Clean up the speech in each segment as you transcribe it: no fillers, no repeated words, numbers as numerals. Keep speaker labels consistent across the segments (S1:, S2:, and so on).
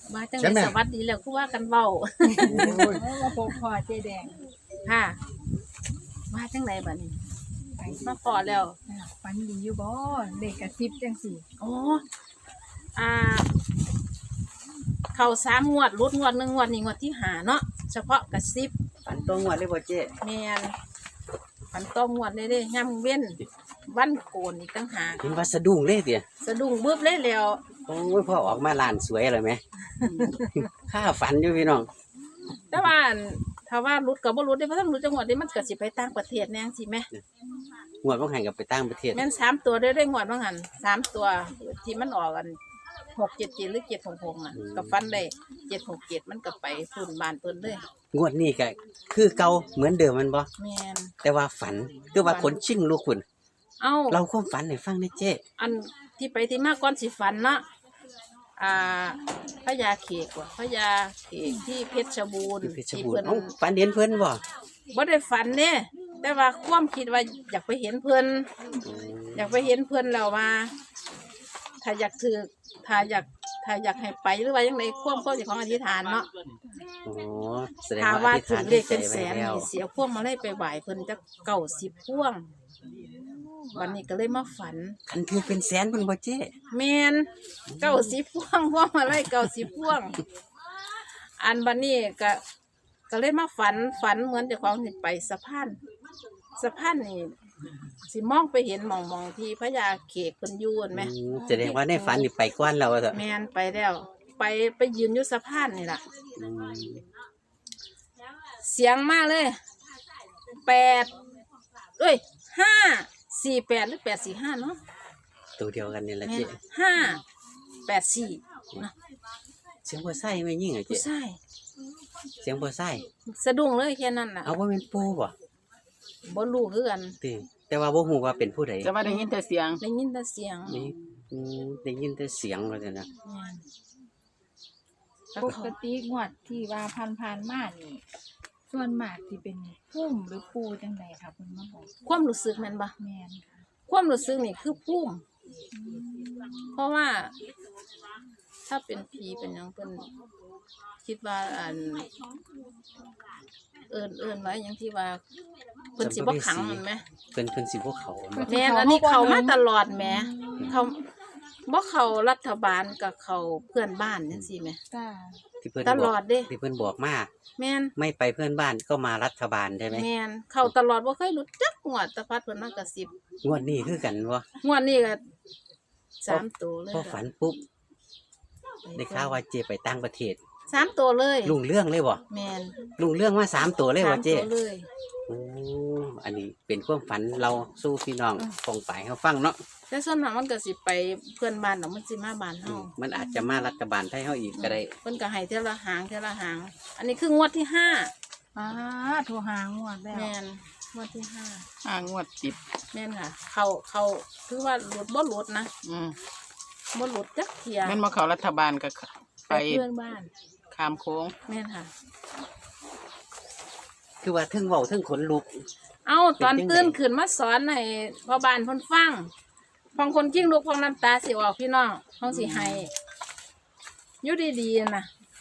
S1: มาจังเลยสวัสดีแล้วคือว่ากันเว้า
S2: มาพบพ่อเจ๊แดง
S1: ค่ะมาจังไหนบัดนี้มาพอแล้ว
S2: ฝันดีอยู่บ่เลขกระซิบจังสี่
S1: อ๋ออ่า เข้า3 งวดรุดงวด1งวดนี้งวดที่5เนาะเฉพาะกระซิบ
S3: ฝันตัวงวดเลยบ่เจ๊
S1: แม่นมันต้องงวดเลยเด้ย่ำเว้นวันโกนอีกต่างหาก
S3: เห็นว่าสะดุ้งเลยเตี่ย
S1: สะดุ้งบึบเลยแล้ว
S3: โอ้ยพ่อออกมาลานสวยเลยไหม ข้าฝันอยู่พี่น้อง
S1: แต่ว่าอั่นถ้าว่ารุดก็บ่รุดได้เพราะถ้ารุดจังหวัดนี้มันก็สิไปต่างประเทศแน่จังซี่แหม
S3: งวดบ่หันกับไปต่างประเทศ
S1: แม่น3 ตัวได้งวดว่าหั่น3 ตัวที่มันออกกัน677หรือ766น่ะก็ฟันได้767มันก็ไปฝุ่นบ้านเพิ่นเลย
S3: งวดนี้ก็คือเก่าเหมือนเดิมมันบ่
S1: แม่น
S3: แต่ว่าฝันคือว่าขนชิงลูกคุณ
S1: เอ้า
S3: เราความฝันให้ฟังได้เจ๊
S1: อันที่ไปที่มาก่อนสิฝันเนาะพญาเขกว่ะพญาเขกที่เพชรบูรณ์
S3: ที่เพชร
S1: ที่
S3: บูร
S1: เพิ่น
S3: ณ์เอ้าฝันเห็นเพิ่นบ่
S1: บ่ได้ฝันเด้แต่ว่าความคิดว่าอยากไปเห็นเพิ่นอยากไปเห็นเพิ่นแล้วว่าถ้าอยากถือถ้าอยากให้ไปหรือว่าจังไดความเจ้าของอธิษฐานเนาะ
S3: อ๋อแสดง
S1: ถ้า
S3: ว่า
S1: ว่า
S3: อธิษ
S1: ถึ
S3: ฐาน
S1: งเล
S3: ได้
S1: ข
S3: ใจ
S1: เป็น
S3: ไว้
S1: แสน
S3: แล้ว
S1: นี่เสียพวงมาเลยไปไหว้เพิ่นจัก90พวงวันนี้ก็เลยมาฝัน
S3: คันคือเป็นแสนเพิ่นบ่เจ๊
S1: แมน90พวงพวงมาเลย90พวง อันบันนี้ก็เลยมาฝันเหมือนเจ้าของสิไปสะพานนี่สิมองไปเห็นหมองที่พญาเขกเพิ่นอยู่นั่นไหม
S3: แสดงว่าในฝันนี่ไปก่อนแล้วว่าเถอะ
S1: แมนไปแล้ว ไปยืนอยู่สะพานนี่ล่ะ
S3: อืม
S1: เสียงมาเลย8548หรือ845เนาะ
S3: ตัวเดียวกันนี่แหละ
S1: แม่
S3: เจ๊
S1: น584เนาะ
S3: เสียงบ่ใส่ไม่ยิ่งเหรอ
S1: ผู้
S3: เจ๊
S1: ชาย
S3: เสียงบ่ใส่
S1: สะดุ้งเลยแค่นั้นน่ะ
S3: เอาว่าเป็นปู่บ่
S1: บ่รู้คือกัน
S3: ติแต่ว่าบ่ฮู้ว่าเป็นผู้ใด
S4: จะมาได้ยินแต่เสียง
S1: ได้ยินแต่เสียง
S3: นี่ได้ยินแต่เสียงว่าซั่นนะ
S1: แม่น
S2: ปกติงวดที่ว่าผ่านมานี่ส่วนมากที่เป็นพุ่มหรือปูจังใดครับเพิ่นมาบอก
S1: ความรู้สึกแม่นบ่
S2: แม่นค่ะ
S1: ความรู้สึกนี่คือภูมิเพราะว่า ถ้าเป็นผีเป็นหยังเพิ่นคิดว่าเอิ้นไว้หยังที่ว่าเพิ่นสิบ่ขังมันไหม
S3: เพิ่นสิบ่เขาเนาะ
S1: แม่นอันนี้เข้ามาตลอดแหมเขาบ่เข้ารัฐบาลกับเข้าเพื่อนบ้านจังซี่แหม
S2: จ้า
S3: ที่เพิ่น
S1: ต
S3: บ
S1: ล
S3: อ
S1: อก ดเด้
S3: ที่เพิ่นบอกมา
S1: แม่น
S3: ไม่ไปเพื่อนบ้านก็มารัฐบาลใช่ไหม
S1: แม่นเข้าตลอดบ่เคยหลุดจักงวดแตะพัดเพิ่นมากระซิบ
S3: งวดนี้คือกันบ่
S1: งวดนี้ก็3ตัวเลย
S3: พอฝันปุ๊บได้ข่าวว่าเจไปต่างประเทศ
S1: 3ตัวเลย
S3: ลุงเรื่องเลยบ่
S1: แม่น
S3: ลุงเรื่องมา3ตัวเลยบ่เจ
S1: 3ตัวเลย
S3: โอ้อันนี้เป็นความฝันเราสู้พี่น้องฟงไปเฮาฟังเนาะ
S1: แต่ส่วนมากมันก็สิไปเพื่อนบ้านเนาะมันสิมาบ้านเฮา
S3: มันอาจจะมารัฐบาลไทยเฮาอีกก็ได้
S1: เพิ่นก็ให้เท่าละหางเท่าละหาง อันนี้คืองวดที่ห้า
S2: โทรหางวดแล้ว
S1: แม่นงวดที่ห้า
S4: 5 งวดติด
S1: แม่นค่ะ เขาคือว่าหลุดบ่หลุดนะ
S4: อืม
S1: บ่หลุดจักเที่ย
S4: แม่นบ่เข้ารัฐบาลก็
S1: ไป
S4: ไป
S1: เพื่อนบ้าน
S4: ข้ามโค้ง
S1: แม่นค่ะ
S3: คือว่าเทึงเว้าเทึงขนลุก
S1: เอาตอน
S3: เป็นจังได
S1: ตื่นขึ้นมาสอนให้พ่อบ้านเพิ่นฟังพองคนกิ้งลูกพองน้ำตาสิออกพี่น้องพองสิให้อยู่ดีๆน่ะ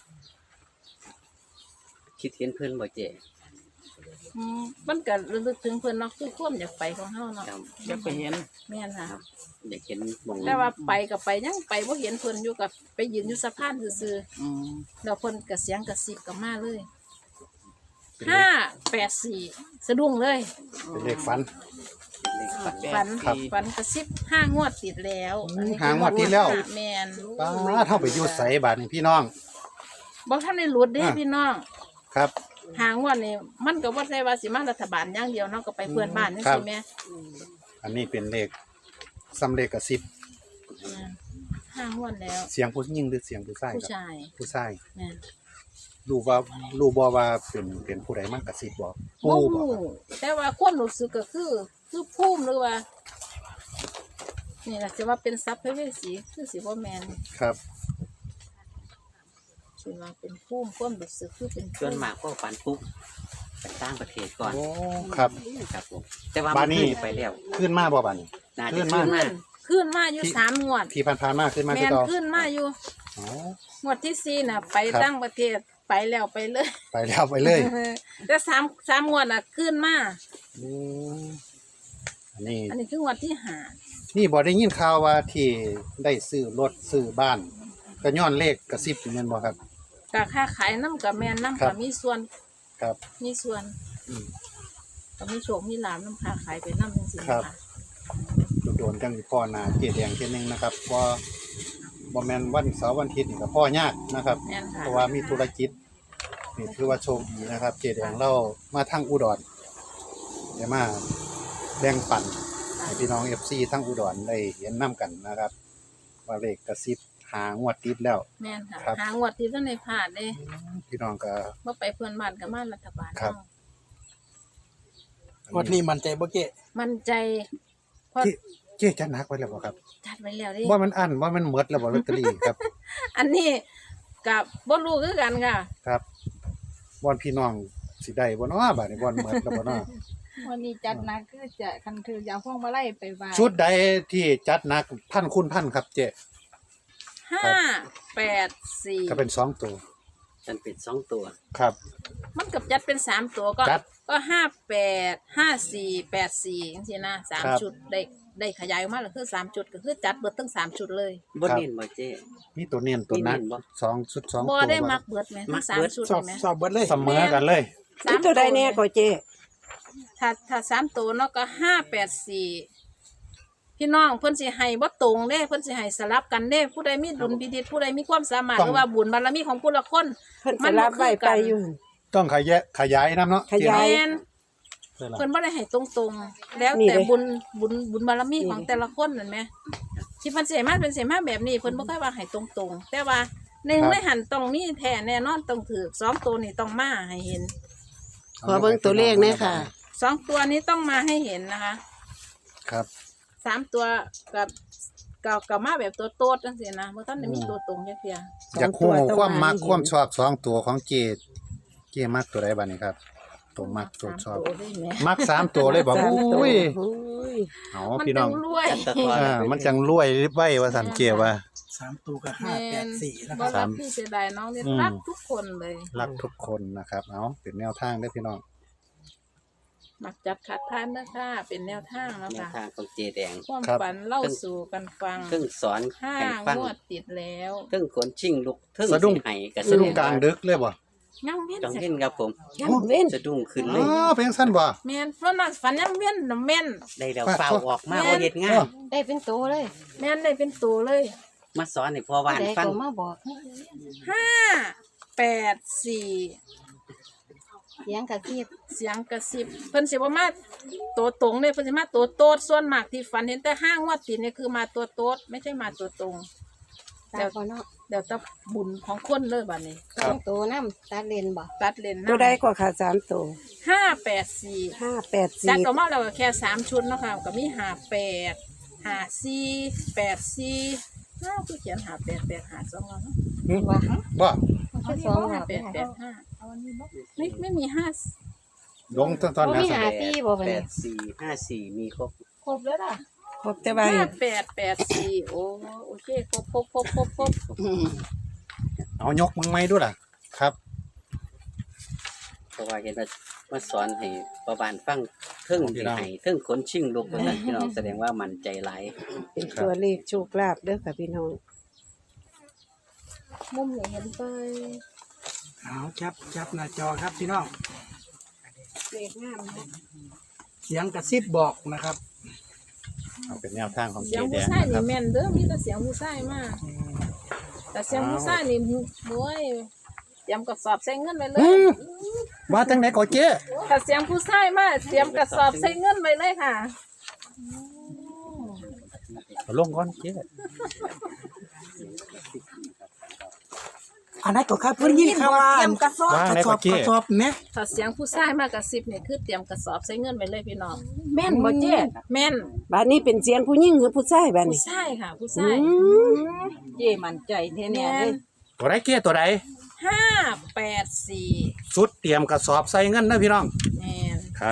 S3: คิดเห็นเพิ่นบ่เจ
S1: มันก็ระลึกถึงเพิ่นเนาะคือความอยากไปของเฮาเนาะ
S3: ครับ
S4: อยากไปเห็น
S1: แม่นค่ะ
S3: อยากเห็นหมอง
S1: แต่ว่าไปก็ไปยังไปบ่เห็นเพิ่นอยู่กับไปยืนอยู่สะพานซื่อ
S4: อืม
S1: ๆแล้วเพิ่นก็เสียงกระซิบก็มาเลย
S3: เป็นเลข
S1: 584สะดุ้งเลย
S5: เป็นเลขฝัน
S3: เลขฝัน
S1: ฝัน
S5: ครับ
S1: ฝันกระซิบ5 งวดติดแล้วอันนี้
S5: 5 งวดติดแล้ว
S1: แม่น
S5: ป้าเท่าไปอยู่ใสบาทนี่พี่น้อง
S1: บ่ทันได้หลุดเด้
S5: อ่ะ
S1: พี่น้อง
S5: ครับ
S1: 5 งวดนี่มันก็บ่ใช่ว่าสิมารัฐบาลอย่างเดียวเนาะก็ไปเพื่อนบ้านจังซี่แหม
S5: อันนี้เป็นเลขซ้ำเลขกระซิบ
S1: 5 งวดแล้ว
S5: เสียงผู้หญิงหรือเสียงผู้ชาย
S1: ผู้
S5: ครับ
S1: ชาย
S5: ผู้ชาย
S1: แม่น
S5: รู้บ่ว่าเป็นผู้ใดมากกระซิบบ่
S1: บ่
S5: ปู่บ่
S1: ฮู้
S5: ครับ
S1: แต่ว่าความรู้สึกก็คือภูมิหรือว่า นี่ล่ะสิว่าเป็นทรัพย์เพเวสีคือสิบ่แม่น
S5: ครับ
S1: สิว่าเป็นภูมิความรู้สึกคือเป็น
S3: ส่วนมากก็ฝันปุ๊บไปต่างประเทศก่อน
S5: โอ้ครับ
S3: ครับผมแต่ว่า
S5: บ้านนี้
S3: มัไปแล้ว
S5: ขึ้นมาบ่บาดนี้
S3: น่า
S5: ขึ้
S3: จะ
S5: น
S3: ขึ้
S5: มา
S3: นมา
S1: ขึ้นมาอยู่3 งวด
S5: ที่ผ่านๆมาขึ้นมา
S1: แม่
S5: คือน เก่า
S1: ขึ้นมาอยู่
S5: อ๋อ
S1: งวดที่สี่น่ะ ไป
S5: ครับ
S1: ตั้งประเทศไปแล้วไปเลย
S5: ไปแล้วไปเลย
S1: แต่สามงวดน่ะขึ้นมา
S5: อืมอันนี้
S1: อันนี้คืองวดที่หา
S5: นี่บ่ได้ยินข่าวว่าที่ได้ซื้อรถซื้อบ้านก็ย้อนเลขกระซิบแม่นบ่ครับ
S1: กะค่าขายน้ำกับแม่นน้ำ
S5: ครั
S1: กับบ มีส่วน
S5: ครับ
S1: มีส่วน
S5: อืม
S1: กับมีโชคมีลาภน้ำค่าขายไปน้ำจังซี่
S5: ครับ
S1: ค่ะ
S5: โดนๆจังพ่อหน้าเจ๊แดงเที่ยนึงนะครับบ่แม่นวันเสาร์วันอาทิตย์นี่ก็พ่อยากนะครับ
S1: แม่นค่ะ
S5: เพราะว่ามีธุรกิจนี่ถือว่าโชคดีนะครับ เจ๊แดงเรามาทางอุดรได้มาแบ่งปันให้พี่น้อง FC ทั้งอุดรได้เห็นนํกันนะครับ ว่าเลขกระซิบหางวดติดแล้ว
S1: แม่นค่ะ
S5: ครับ
S1: หางวดที่ท่านในพลาดเด้
S5: พี่น้องก็
S1: เมื่อไปเพื่อนบ้านกับมารัฐบาล
S5: ครับ
S1: เนาะ
S6: งวดนี้มันใจบ่เก้
S1: มั่นใจเพราะ
S5: เจ๊จัดหนักไว้แล้วบ่ครับ
S1: จัดไว้แล้วเดิ
S5: ว่ามันอั้นว่ามันหมดแล้วบ่ลอตเตอรี่ครับ
S1: อันนี้กับบ่รู้คือกันค่ะ
S5: ครับบ่อนพี่น้องสิได้บ่เนาะบัดนี้บ่อนหมดแล้วบ่เนาะ
S2: วันนี้จัดหนักคือจะคันถือยาพวงมาลัยไปไหว้
S5: ชุดใดที่จัดหนักพันคูณพันครับเจ๊
S1: 584
S5: ก็เป็น2ตัว
S3: ฉันเป็น2ตัว
S5: ครับ
S1: มันกับจัดเป็น3ตัวก็
S5: จัด
S1: ก็58 54 84จังซี่นะ
S5: ครั
S1: 3
S5: บ
S1: ชุดได้ขยายออกมาแล้วคือ3จุดก็คือจัดเบิดทั้ง3ชุดเลย
S3: บ่เน้นบ่เจ้
S5: มีตัวเน้นตัวนัก
S3: มีเน้นบ่
S5: 2ชุด2
S1: บ่
S5: ตัว
S1: ได้มักเบิดแม่
S3: มั
S1: ทั้
S3: ก
S1: ง
S3: เบิด
S1: 3ชุด
S6: สอบ
S1: เลยแม่
S6: สอบเบิดเลย
S5: เสมอกันเลย
S1: สาม
S7: ตัวใดแน่ก็เจ๊
S1: ถ้า3ตัวเนาะก็584พี่น้องเพิ่นสิให้บ่ตรงเด้เพิ่นสิให้สลับกันเด้ผู้ใดมีดุลพินิจผู้ใดมีความสามารถ
S5: ต้อง
S1: หรือว่าบุญบารมีของผู้ละคน
S7: เพิ่นสลับไว้ไปอยู่
S5: ต้องขยายนํเนาะ
S7: ขยาย
S1: แม่น
S5: เจ๊เนาะ
S1: เพิ่นบ่ได้ให้ตรงๆ แล้ว
S7: นี่
S1: แต่
S7: เด้
S1: บุญบารมีของแต่ละคนนั่นแหมที่เพิ่นสิให้มาเป็นสิมาแบบนี้เพิ่นบ่เคยว่าให้ตรงๆ แต่ว่าหนึ่งในหันต้องมีแท้แน่นอนต้องถูกสองตัวนี่ต้องมาให้เห็น
S7: ขอเบิ่งตัวเลขหน่อยค่ะ
S1: สองตัวนี้ต้องมาให้เห็นนะคะ
S5: ครับ
S1: สามตัวกับมาแบบตัวโตดจังซี่นะบ่ทันได้มีตัวตรงจักเที่ย
S5: อยากฮู้
S7: สองตัวต้อง
S5: ความมัก
S7: มาให้เห็น
S5: ความชอบ2ตัวของเจ๊มักตัวใดบัดนี้ครับ ตัวมักตัวชอบ
S1: สามตัวได้แหม
S5: มัก3ตัวเลยบ่
S7: สามตัว
S5: อุ้ย
S7: โอ้ย
S5: เอา
S1: มัน
S5: พี่น้
S1: จั
S5: อง
S1: งรวย
S3: จัดตะกอน
S5: มันจังรวยไว้ว่าซั่นเจ๊ว่า
S6: 3ตัวก็
S1: แม่น
S6: 584นะค
S1: บ่
S6: รับ
S1: รักพี่เสียดายน้องนี่
S5: อืม
S1: รักทุกคนเลย
S5: รักทุกคนนะครับ เอาเป็นแนวทางได้อพี่น้อง
S1: มักจัดขัดทานนะคะเป็นแนวทางแล้ว
S3: แนว
S1: ค่ะ
S3: ทางของเจแดง
S1: ความ
S5: ครับ
S1: ฝันเล่าสู่กันฟัง
S3: เพิ่งสอน
S1: ห้า
S3: ให้ฟัง
S1: งวดติดแล้ว
S3: เพิ่งขนชิงลุกเพิ่ง
S5: สะดุ้ง
S3: สิให้กับ
S5: สะดุ้งกลางดึกเลยบ่
S1: ยังเวียน
S3: จัง
S1: เสร็จ
S3: เห็นครับผม
S7: ยังเว้น
S3: สะดุ้งขึ้น
S5: อ๋
S3: เลย
S5: อเพลงสั้นบ่
S1: แม่นเพราะนั้นฝันยังเวียนน่ะแม่น
S3: ได้แล้ว
S5: ว่า
S3: เฝ้าออกมา
S1: แม่
S3: บ่เฮ็ดงาน
S7: ได้เป็นตัวเลย
S1: แม่นได้เป็นตัวเลย
S3: มาสอนให้พ่อบ้าน
S7: ได้
S3: ฟัง
S7: ก็มาบอก
S1: 584
S7: เสียงกระซิบ
S1: เสียงกระซิบเพิ่นสิบ่มาตัวตรงเด้เพิ่นสิมาตัวโตดส่วนมากที่ฝันเห็นแต่ห้างวดติดเนี่ยคือมาตัวโตดไม่ใช่มาตัวตรง
S7: ตาบ่เนาะ
S1: เดี๋ยวจะบุญของคนเลยบัดนี้
S7: สองตัวนำตาเลนบ่
S1: ตัดเลน
S7: ตัวใดก็ค่ะ3ตัว
S1: 584 จัดออก
S7: 584
S1: มาแล้วก็แค่3ชุดเนาะค่ะก็มี58 54 84อ้าวคือเขียน58 85 2แล้วเนาะ
S7: ว่า
S5: บ่
S7: แค่สองหา
S1: 58 85ไม่มี5
S5: ลงตอน
S7: บ่
S5: นั้น
S7: มีหาตีบ่บัดนี้
S3: 8454มีครบ
S1: ครบแล้วล่ะ
S7: ครบแต่ว่า
S1: 5884โอเคครบ
S5: เอายกมึงไม้ดูล่ะ ครับ
S3: เพราะว่าเห็นว่ามาสอนให้พ่อบ้านฟังเพิ่งสิให้เพิ่งขนชิงลุกว่าซั่นพี่น้องแสดงว่ามั่นใจหลาย
S7: เป็นตัวเลขโชคลาภเด้อค่ะพี่น้อง
S1: มุมนี่เห็นไป
S6: เอาจับหน้าจอครับพี่น้อง
S7: เลขงามนะ
S6: เสียงกระซิบบอกนะครับ
S5: เอาเป็นแนวทางของ
S1: เสี
S5: เจ๊
S1: ยง
S5: แด
S1: ผู้
S5: ง
S1: ชาย
S5: นะค
S1: นี่
S5: รับ
S1: แม่นเด้อมีแต่เสียงผู้ชายมาแต่เสียงผู้ชายนี่โอ้ยเตรียมกระสอบใส่เงินไว้เลย
S5: ว่าจังไหนก็เจ๊
S1: ถ้าเสียงผู้ชายมาเตรียมกระสอบใส่เงินไว้เลยค่ะ
S5: เอาลงก่อนเจ๊
S6: อันนั้นก็ครับเพิ่นยินข่าวว่า
S7: เตรียมกระสอบ
S5: ว่างไหน
S6: กระส
S5: ก็
S6: อบ
S5: เจ๊
S6: กระสอบแหม
S1: ถ้าเสียงผู้ชายมากระซิบนี่คือเตรียมกระสอบใส่เงินไว้เลยพี่น้อง
S7: แม่นบ่เจ๊
S1: แม่น
S7: บัดนี้เป็นเสียงผู้หญิงหรือผู้ชายบัด
S1: ผู้
S7: นี้
S1: ชายค่ะ ผู้
S7: อื
S1: ชาย
S7: ม
S1: เย่มั่นใจแท้ๆเลย
S5: ตัวใดเจ๊ตัวใด
S1: 584
S5: สุดเตรียมกระสอบใส่เงินนะพี่น้อง
S1: แม่น
S5: ครับ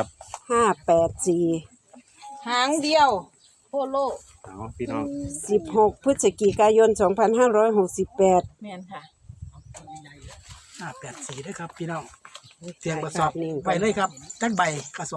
S7: 584
S1: หางเดียวโคโล
S5: เอาพี่น้อง
S7: 16 พฤศจิกายน 2568
S1: แม่นค่ะ
S6: 84ด้วยครับพี่น้องเสียงกระสอบไปเลยครับจักใบกระสอบ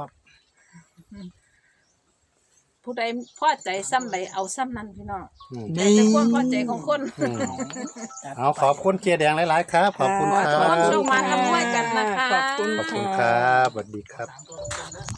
S1: ผู้ใดพอใจซ้ำใดเอาซ้ำนั้นพี่น้อง
S6: นี่
S1: แต่ความพอใจของคน
S5: เอาขอบคุณเจแดงหลายๆครับ ขอบคุณครั
S1: ขอให้
S5: บ
S1: โชคมาทำด้วยกันนะคะ
S2: ขอบคุณ
S5: ขอบคุณครับสวัสดีครับ